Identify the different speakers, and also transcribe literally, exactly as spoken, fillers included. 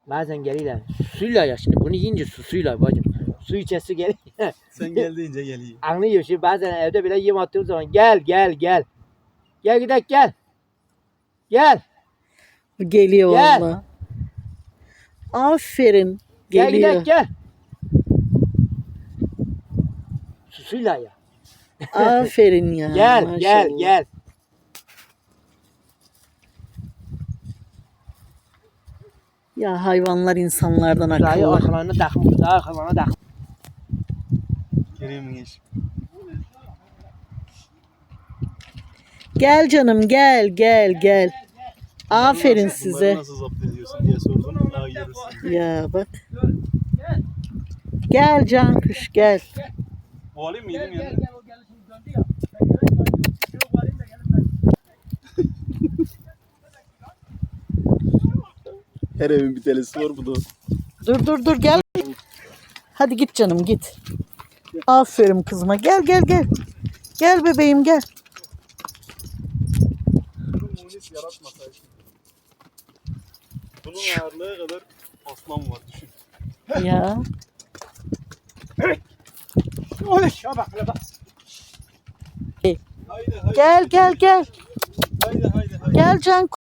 Speaker 1: Bazen geliyorlar. Suyla ya şimdi. Bunu yiyince su suyla bacım. Su içesi geliyor.
Speaker 2: Sen geldiğince geliyor.
Speaker 1: Anlıyor şimdi bazen evde bile yem attığım zaman gel gel gel. Gel gidelim gel. Gel.
Speaker 3: Geliyor
Speaker 1: Gel.
Speaker 3: valla. Aferin.
Speaker 1: Gel
Speaker 3: Geliyor.
Speaker 1: gidelim gel. Susuyla ya.
Speaker 3: Aferin ya.
Speaker 1: Gel
Speaker 3: maşallah.
Speaker 1: gel gel.
Speaker 3: Ya hayvanlar insanlardan
Speaker 1: Dayı
Speaker 3: akıllı.
Speaker 1: arkalarına takmış. Dayı arkalarına takmış.
Speaker 2: Kerem'in iş.
Speaker 3: Gel canım gel gel gel. Aferin
Speaker 2: Nasıl-
Speaker 3: size.
Speaker 2: Bunları nasıl zapt ediyorsun diye sordum. Daha yarısı.
Speaker 3: Ya bak. Gel Cankuş gel.
Speaker 2: Bu alayım mı? Yedim yani. Her evin bir telesi var bu da.
Speaker 3: Dur dur dur gel. Hadi git canım git. Aferin kızıma. Gel gel gel. Gel bebeğim gel.
Speaker 2: Bunun munis yaratmasaydı. Bunun ağırlığı kadar aslan var düşün.
Speaker 3: Ya.
Speaker 1: Oy şuna bak hele bak.
Speaker 2: Haydi haydi.
Speaker 3: Gel gel gel.
Speaker 2: Haydi haydi haydi.
Speaker 3: Gel Cankuş.